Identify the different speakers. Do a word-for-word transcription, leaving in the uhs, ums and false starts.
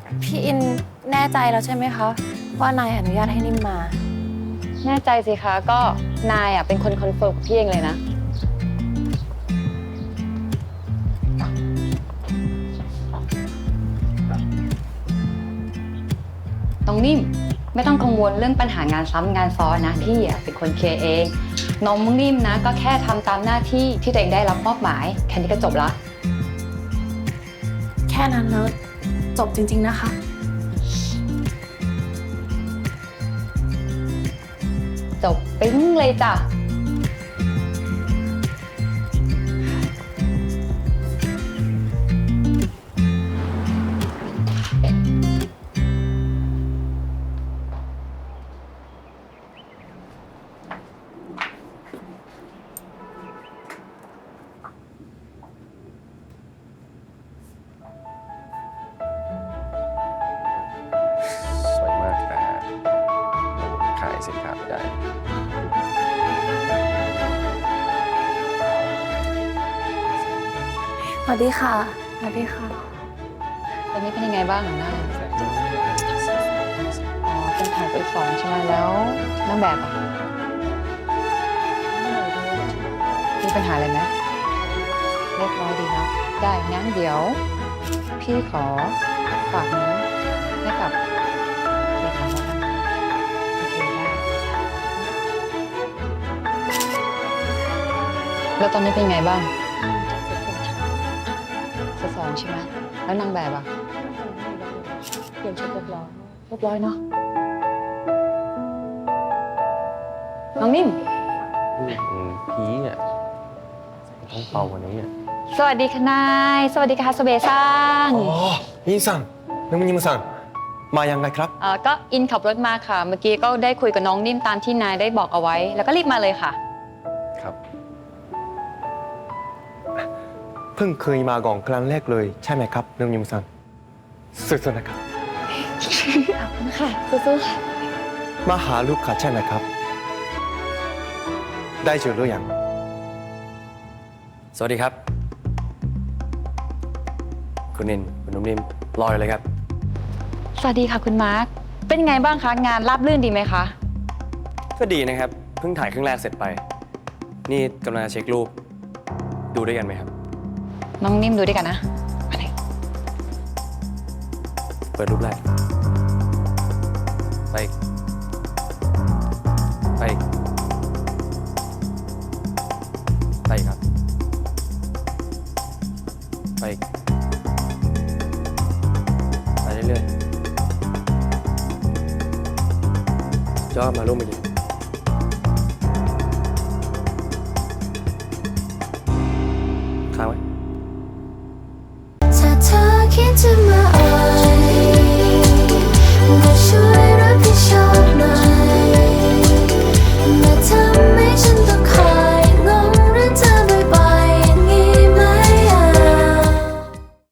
Speaker 1: พี่อินแน่ใจแล้วใช่ไหมคะว่านายอนุญาตให้นิ่มมา
Speaker 2: แน่ใจสิคะก็นายอ่ะเป็นคนคอนเฟิร์มกับพี่เองเลยนะน้องนิ่มไม่ต้องกังวลเรื่องปัญหางานซ้ำงานซ้อนนะพี่อ่ะเป็นคนเคลียร์เองน้องนิ่มนะก็แค่ทำตามหน้าที่ที่ตัวเองได้รับมอบหมายแค่นี้ก็จบละ
Speaker 1: แค่นั้นแล้วจบจริงๆนะคะ
Speaker 2: จบปิ๊งเลยจ้ะ
Speaker 3: สวยมากนะฮะขายสินค้าไม่ได้
Speaker 1: สวัสดีค่ะ สวัสดีค่ะ
Speaker 2: ตอนนี้เป็นยังไงบ้างหนูหน้าอ๋อเป็นถ่ายตัวสองใช่ไหมแล้วนางแบบอ่ะมีปัญหาอะไรไหมเรียบร้อยดีเนาะได้งั้นเดี๋ยว พี่ขอฝากนี้ให้กับเลขาแล้วกันโอเคได้แล้วตอนนี้เป็นไงบ้างเซตสองใช่ไหมแล้วนางแบบอ่ะเปลี่ยนชุดเรียบร้อยเรียบร้อยเนาะน้องนิ่ม
Speaker 3: อืมพีอ่ะต้องเป่ากว่านี้อ่ะ
Speaker 2: สวัสดีค่ะนาย สวัสดีค่ะสเบซัง
Speaker 4: อ๋ออินซังนึกว่านิมซังมายังไงครับ
Speaker 2: เอ่อก็อินขับรถมาค่ะ เมื่อกี้ก็ได้คุยกับน้องนิ่มตามที่นายได้บอกเอาไว้ แล้วก็รีบมาเลยค่ะ
Speaker 3: ครับ
Speaker 4: เพิ่งเคยมาก่อนครั้งแรกเลยใช่ไหมครับนึกนิมซังสุดๆนะครับ
Speaker 2: ค่ะสู้ๆค่ะ
Speaker 4: มาหาลูกค้าใช่ไหมครับ ได้เจอหรือยัง
Speaker 3: สวัสดีครับ คุณนินคุณนุ่มนิ่มรออยู่เลยครับ
Speaker 2: สวัสดีค่ะคุณมาร์ค เป็นไงบ้างคะงานราบรื่นดีไหมคะ
Speaker 3: ก็ดีนะครับ เพิ่งถ่ายครึ่งแรกเสร็จไป นี่กำลังจะเช็ครูป ดูด้วยกันไหมครับ
Speaker 2: น้องนิ่มดูด้วยกันนะมาเลย
Speaker 3: เปิดรูปแรก ไปอีกไปอีกไปอีกครับ ไปอีกไปเรื่อยๆจอมารูปเมื่อกี้